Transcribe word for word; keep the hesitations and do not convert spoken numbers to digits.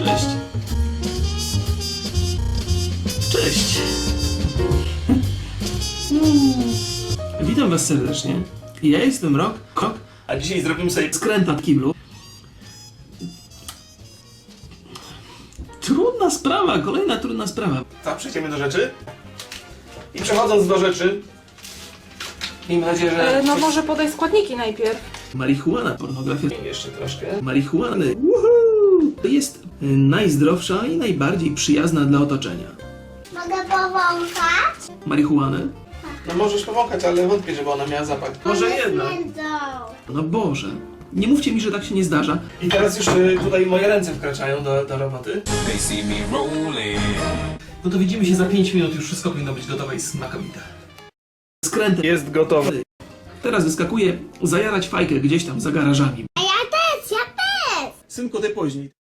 Cześć. Cześć. Witam was serdecznie. Ja jestem Rok, Rok, a dzisiaj zrobimy sobie skręta w kiblu. Trudna sprawa, kolejna trudna sprawa. Tak, przejdziemy do rzeczy. I przechodząc do rzeczy, miejmy nadzieję, że... E, no może podaj składniki najpierw. Marihuana, pornografia, jeszcze troszkę. Marihuany, woohoo! Jest y, najzdrowsza i najbardziej przyjazna dla otoczenia. Mogę powąchać? Marihuany? No możesz powąchać, ale wątpię, żeby ona miała zapach. Może jednak. No Boże. Nie mówcie mi, że tak się nie zdarza. I teraz już y, tutaj moje ręce wkraczają do, do roboty. They see me rolling. No to widzimy się za pięć minut, już wszystko powinno być gotowe i smakowite. Skręt jest gotowy. Teraz wyskakuje zajarać fajkę gdzieś tam za garażami. A ja też, ja też! Synku, ty później.